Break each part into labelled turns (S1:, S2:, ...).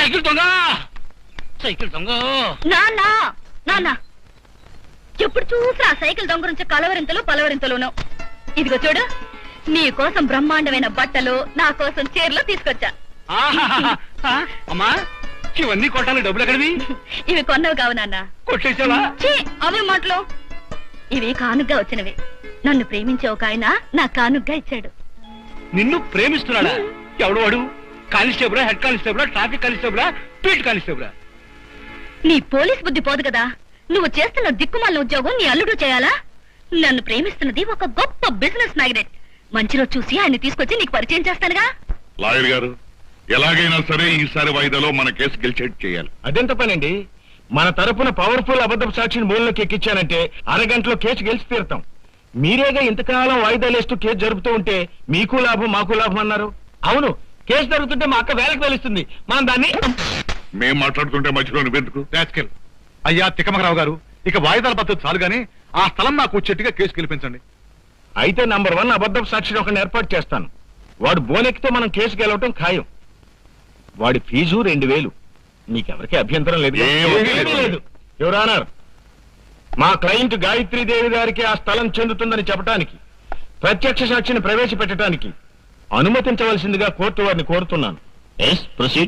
S1: Cycle దొంగ cycle దొంగ
S2: నాన్న ఎప్పుడు చూసినా సైకిల్ దొంగ నుంచి కలవరింతలు పలవరింతలును. ఇదిగో చూడు, నీ కోసం బ్రహ్మాండమైన బట్టలు, నా కోసం చీరలు తీసుకొచ్చా.
S1: అమ్మా ఇవన్నీ కొట్టాలి, డబ్బులు ఎక్కడివి?
S2: ఇవి కొన్నవి కావు నాన్న.
S1: కొట్టేసావా?
S2: అవే మాటలు, ఇవి కానుగ్గా వచ్చినవి. నన్ను ప్రేమించే ఒక ఆయన నా కానుగ్గా ఇచ్చాడు.
S1: నిన్ను ప్రేమిస్తున్నాడా? ఎవడు వాడు? Constable, head constable, traffic constable, పీట్ కానిస్టేబుల్?
S2: నీ పోలీస్ బుద్ధి పోదు కదా. నువ్వు చేస్తున్న దిక్కుమాలిన ఉద్యోగం నీ అల్లుడు చేయాలా? నన్ను ప్రేమిస్తున్నది ఒక గొప్ప బిజినెస్ మ్యాగ్నెట్. మంచి రోజు చూసి ఆయన తీసుకొచ్చి నీకు పరిచయం చేస్తానుగా.
S3: లాయర్ గారు, ఎలాగైనా సరే ఈసారి వాయిదాలో మన కేసు గెలిచేట్టు చేయాలి.
S4: అదెంత పనండి? మన తరపున పవర్ఫుల్ అబద్ధపు సాక్షిని మూలంలోకి ఎక్కించానంటే అరగంటలో కేసు గెలిచి తీరుతాం. మీరేగా ఇంతకాలం వాయిదాలేస్తూ కేసు జరుపుతూ ఉంటే మీకు లాభం మాకు లాభం అన్నారు. అవును, కేసు జరుగుతుంటే మా అక్క వేలకు వెలుస్తుంది. మనం దాన్ని
S3: మేం మాట్లాడుతుంటే మధ్యలో నువ్వెందుకు?
S5: అయ్యా తిక్కమరావు గారు, ఇక వాయిదాల పద్ధతి చాలు గానీ ఆ స్థలం నాకు వచ్చేట్టుగా కేసు గెలిపించండి.
S4: అయితే నంబర్ 1 అబద్ధపు సాక్షిని ఒకరిని ఏర్పాటు చేస్తాను. వాడు బోనెక్కితే మనం కేసు గెలవటం ఖాయం. వాడి ఫీజు 2000. నీకెవరికి అభ్యంతరం లేదు? లేదు. యువర్ ఆనర్, మా క్లయింట్ గాయత్రీదేవి గారికి ఆ స్థలం చెందుతుందని చెప్పడానికి, ప్రత్యక్ష సాక్షిని ప్రవేశపెట్టడానికి అనుమతించవలసిందిగా కోర్టు వారిని కోరుతున్నాను. Yes, proceed.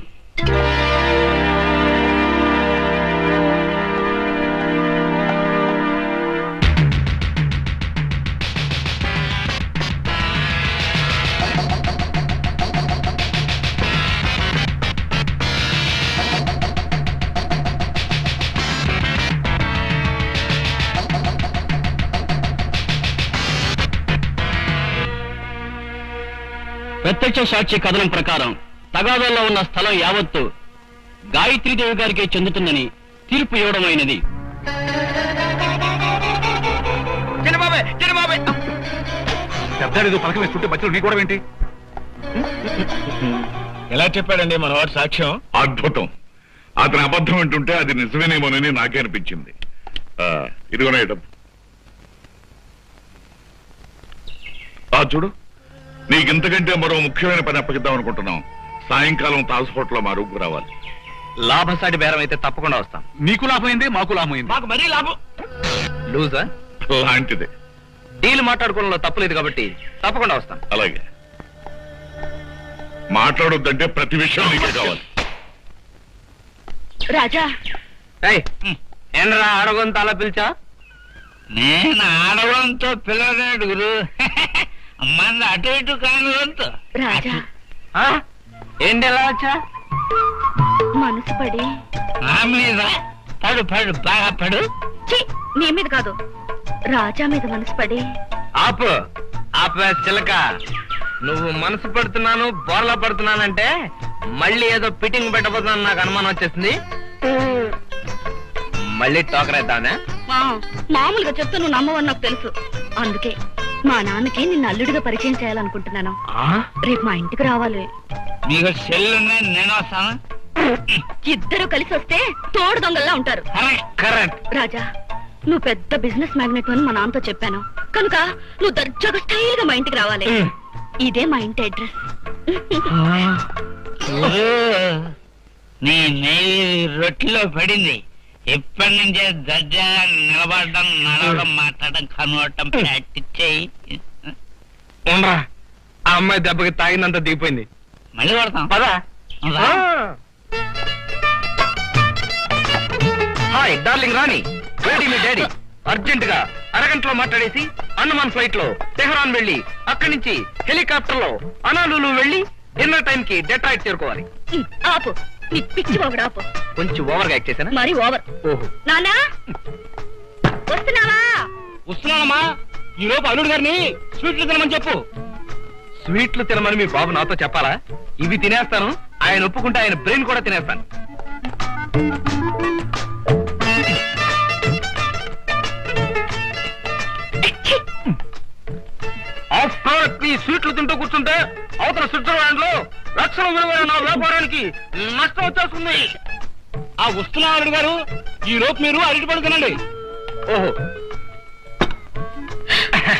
S1: ప్రత్యక్ష సాక్షి కథనం ప్రకారం తగాదాల్లో ఉన్న స్థలం యావత్తు గాయత్రీదేవి గారికే చెందుతుందని తీర్పు ఇవ్వడమైనది.
S5: పెద్దడు పలక వేస్తుంటే మధ్యలో నీ కూడా ఏంటి?
S4: ఎలా చెప్పాడండి మనవాడు సాక్ష్యం?
S3: అద్భుతం. అతని అబద్ధం అంటుంటే అది నిజమేనేమోనని నాకే అనిపించింది. ఇదిగోనే డబ్బు. చూడు, నీకింతకంటే మరో ముఖ్యమైన పని అప్పగిద్దాం అనుకుంటున్నాం. సాయంకాలం తాజ్ హోటల్లో మా రూపుకు రావాలి.
S1: లాభసాటి బేరం అయితే తప్పకుండా వస్తాం.
S5: నీకు లాభమైంది, మాకు లాభమైంది.
S4: మాకు మరీ లాభం.
S1: లూజా
S3: లాంటిదే.
S1: డీల్ మాట్లాడుకోవడంలో తప్పలేదు కాబట్టి తప్పకుండా వస్తాం.
S3: అలాగే. మాట్లాడొద్దంటే ప్రతి విషయం నీకే కావాలి.
S2: రాజా,
S1: ఏంద్రా అడగంతో అలా పిలిచా?
S6: నేను ఆడవంతో పిల్లలేడు గురు, మంది అటు ఇటు కాని వంతు.
S2: రాజా,
S1: ఏంటి ఎలా వచ్చా?
S2: మనసు పడి
S6: నా మీద పడు పడు, బాగా పడు.
S2: నీ మీద కాదు, రాజా మీద మనసు పడి.
S1: ఆపు ఆపే చిలక. నువ్వు మనసు పడుతున్నాను, బోర్లా పడుతున్నానంటే మళ్ళీ ఏదో ఫిట్టింగ్ పెట్టబోతున్నాను నాకు అనుమానం వచ్చేసింది. మళ్ళీ టోకరేద్దానే?
S2: మామూలుగా చెప్తే నువ్వు నమ్మవని నాకు తెలుసు. అందుకే మా నాన్నకి నిన్ను అల్లుడిగా పరిచయం చేయాలనుకుంటున్నాను. రేపు మా ఇంటికి రావాలి.
S6: మీకు సెల్లు నేను వస్తాను.
S2: ఇద్దరు కలిసి వస్తే తోడు దొంగల్లా ఉంటారు.
S1: కరెక్ట్.
S2: రాజా, నువ్వు పెద్ద బిజినెస్ మ్యాగ్నెట్ అని మా నాన్నతో చెప్పాను కనుక నువ్వు దర్జాగా స్టైల్ గా మా ఇంటికి రావాలి. ఇదే మా ఇంటి అడ్రస్.
S6: నీ నెయ్యి రొట్టెలో పడింది. ఇప్పటి నుంచే దర్జా నిలబడడం, నడవడం, మాట్లాడడం, కనువటం ప్రాక్టీస్ చేయి.
S1: ఉండరా, ఆ అమ్మాయి దెబ్బకి తాగినంత దిగిపోయింది.
S6: మళ్ళీ పడతాం
S1: పదా. హాయ్ డార్లింగ్ రాణి, వేడి మీ డాడీ. అర్జెంట్ గా అరగంటలో మాట్లాడేసి అండమాన్ ఫ్లైట్ లో తెహరాన్ వెళ్లి అక్కడి నుంచి హెలికాప్టర్ లో అనాలులు వెళ్లి డిన్నర్ టైం కి డెట్రాయిట్ చేరుకోవాలి.
S2: ఆపు, నీ పిచ్చి బాగుడు ఆపు.
S1: కొంచెం ఓవర్ గా యాక్ట్ చేశానా?
S2: మరి ఓవర్.
S1: ఓహో,
S2: నానా వస్తున్నావా?
S1: వస్తున్నానమ్మా. ఈ లోపు అల్లుడు గారిని స్వీట్లు తినమని చెప్పు. స్వీట్లు తినమని మీ బాబు నాతో చెప్పాలా? ఇవి తినేస్తాను, ఆయన ఒప్పుకుంటే ఆయన బ్రెయిన్ కూడా తినేస్తాను. ఈ స్వీట్లు తింటూ కూర్చుంటే అవతల స్విట్జర్లాండ్ లో లక్షల విలువైన నా వ్యాపారానికి నష్టం వచ్చేస్తుంది. ఆ వస్తున్నా అల్లుడు గారు, ఈ లోపు మీరు అరటి పళ్ళు తినండి. ఓహో,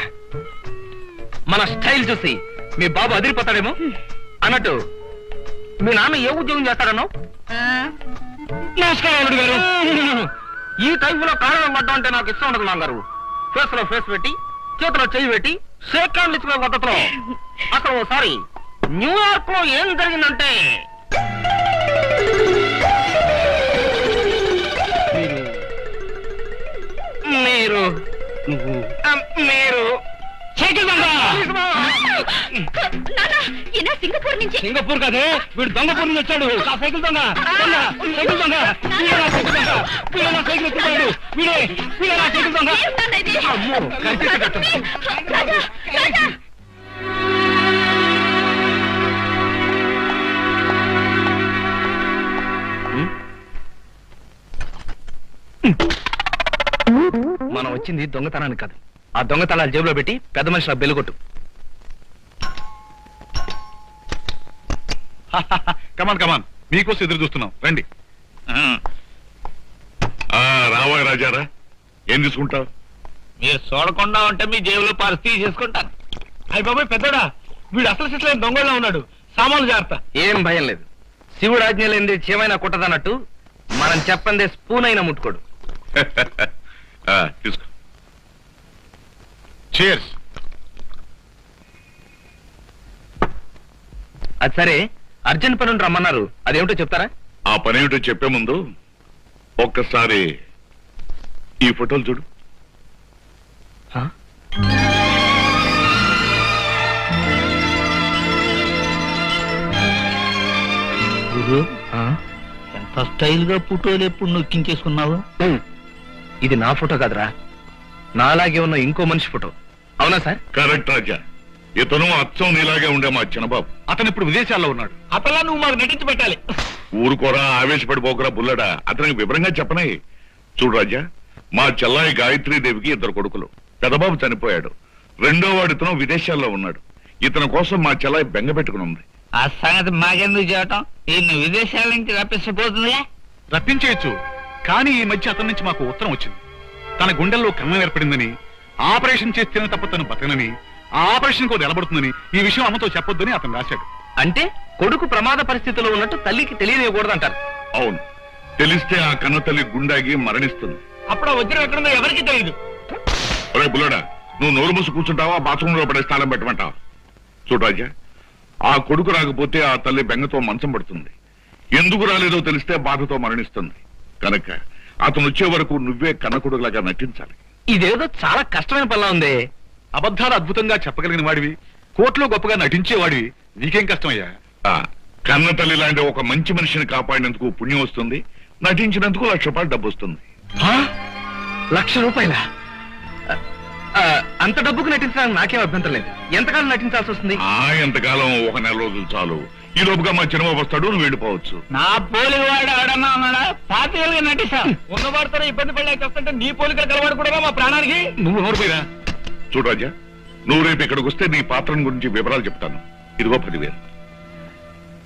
S1: మన స్టైల్ చూసి మీ బాబు అదిరిపోతాడేమో. అన్నట్టు మీ నాన్న ఏ ఉద్యోగం చేస్తాడనో?
S2: ఆ,
S1: నమస్కారం అల్లుడు గారు. ఈ టైపులో కారణం పడ్డం అంటే నాకు ఇష్టం ఉండదు నాన్నగారు. ఫేస్ లో ఫేస్ పెట్టి చేతిలో చెయ్యి పెట్టి షేక్ హ్యాండ్ ఇచ్చుకునే పద్ధతిలో. అసలు ఓసారి న్యూయార్క్ లో ఏం జరిగిందంటే మీరు మీరు
S2: నాన్న, ఈయన సింగపూర్ నుంచి.
S1: సింగపూర్ కదే, వీడు దొంగపూర్ నుంచి వచ్చాడు. ఆ సైకిల్ దొంగ సైకిల్ దొంగ వీడే నా సైకిల్ దొంగ. వీడే నా సైకిల్ ఎత్తుకున్నాడు. వీడే నా సైకిల్ దొంగ.
S2: ఏం నాన్న ఇది?
S1: అమ్మో, కనిపించి కట్టండి.
S2: రాజా, రాజా.
S1: మనం వచ్చింది దొంగతనానికి కాదు. ఆ దొంగతనాలు జేబులో పెట్టి పెద్ద మనిషి నాకు బెల్లుకొట్టు.
S5: కమాన్ కమాన్, మీకోసం ఎదురు చూస్తున్నాం, రండి.
S3: రావా రాజారా, ఏం తీసుకుంటావు?
S6: మీరు చూడకుండా ఉంటే మీ జేబులో పరిస్థితి చేసుకుంటాను.
S4: అయ్య బాబాయ్ పెద్దడా, వీడు అసలు సిట్లైన దొంగలో ఉన్నాడు. సామాన్లు జాగ్రత్త.
S1: ఏం భయం లేదు. శివుడు ఆజ్ఞ లేనిది చేమైనా కుట్టదన్నట్టు మనం చెప్పందే స్పూన్ అయినా ముట్టుకోడు.
S3: తీసుకో.
S5: చేర్స్.
S1: అది సరే, అర్జెంట్ పని రమ్మన్నారు, అదేమిటో చెప్తారా?
S3: ఆ పనేమిటో చెప్పే ముందు ఒక్కసారి ఈ ఫోటోలు చూడు.
S6: ఎంత స్టైల్ గా ఫోటోలు ఎప్పుడు నొక్కించేసుకున్నావు?
S1: ఇది నా ఫోటో కాదురా, నాలాగే ఉన్న ఇంకో మనిషి ఫోటో. అవునా సార్?
S3: కరెక్ట్ రాజా, ఇతను అచ్చం నీలాగే ఉండే మా చిన్నబాబు.
S5: అతను ఇప్పుడు విదేశాల్లో ఉన్నాడు.
S4: అతలా నువ్వు మాకు నటించి పెట్టాలి.
S3: ఊరుకోరా, ఆవేశపడిపోకరా బుల్లడా. అతనికి వివరంగా చెప్పనే. చూడు రాజా, మా చెల్లాయి గాయత్రీదేవికి 2 కొడుకులు. పెదబాబు చనిపోయాడు. రెండో వాడు ఇతను విదేశాల్లో ఉన్నాడు. ఇతని కోసం మా చెల్లాయి బెంగ పెట్టుకుని ఉంది.
S6: ఆ సంగతి మాకెందుకు చేయటం? ఈయన విదేశాల నుంచి రప్పించబోతుందిగా.
S5: రప్పించేయచ్చు, కానీ ఈ మధ్య అతని నుంచి మాకు ఉత్తరం వచ్చింది. తన గుండెల్లో కన్నం ఏర్పడిందని, ఆపరేషన్ చేస్తేనే తప్ప తను బతకనని, ఆ ఆపరేషన్ కూడా నిలబడుతుందని, ఈ విషయం అమ్మతో చెప్పొద్దని అతను రాశాడు.
S1: అంటే కొడుకు ప్రమాద పరిస్థితిలో ఉన్నట్టు తల్లికి తెలియనివ్వకూడదంటారు.
S3: అవును, తెలిస్తే ఆ కన్న తల్లి గుండాగి మరణిస్తుంది.
S4: అప్పుడు ఆ వజ్రం ఎక్కడుందో ఎవరికి తెలియదు.
S3: ఒరే బుల్లడా, నువ్వు నోరు మూసి కూర్చుంటావా, బాత్రూంలో పడే స్థానం పెట్టమంటావా? చూడు రాజా, ఆ కొడుకు రాకపోతే ఆ తల్లి బెంగతో మంచం పడుతుంది. ఎందుకు రాలేదో తెలిస్తే బాధతో మరణిస్తుంది. కనుక అతను వచ్చే వరకు నువ్వే కన్న కొడుకులాగా నటించాలి.
S1: ఇదేదో చాలా కష్టమైన పనిలా ఉంది.
S5: అబద్ధాలు అద్భుతంగా చెప్పగలిగిన వాడివి, కోర్టులో గొప్పగా నటించేవాడివి, నీకేం కష్టమయ్యా?
S3: కన్న తల్లి లాంటి ఒక మంచి మనిషిని కాపాడినందుకు పుణ్యం వస్తుంది, నటించినందుకు ₹1,00,000 డబ్బు వస్తుంది.
S1: ₹1,00,000? అంత డబ్బుకు నటించడానికి నాకేం అభ్యంతరం లేదు. ఎంతకాలం నటించాల్సి వస్తుంది?
S3: ఎంతకాలం, 1 నెల రోజులు చాలు. ఈ లోపుగా మా చిన్నబాబు వస్తాడు, నువ్వు వెళ్ళిపోవచ్చు.
S6: నా పోలి వాడు ఎవడన్నా ఉన్నాడా? పాతికలుగా నటిస్తా.
S4: ఉన్నవాడితో ఇబ్బంది పడలేక వస్తుంటే నీ పోలికలు కలవాడు కూడా మా ప్రాణానికి.
S5: నువ్వు నోరుపోయిరా.
S3: చూడు రాజా, నువ్వు రేపు ఇక్కడికి వస్తే నీ పాత్రను గురించి వివరాలు చెప్తాను. ఇదిగో 10,000.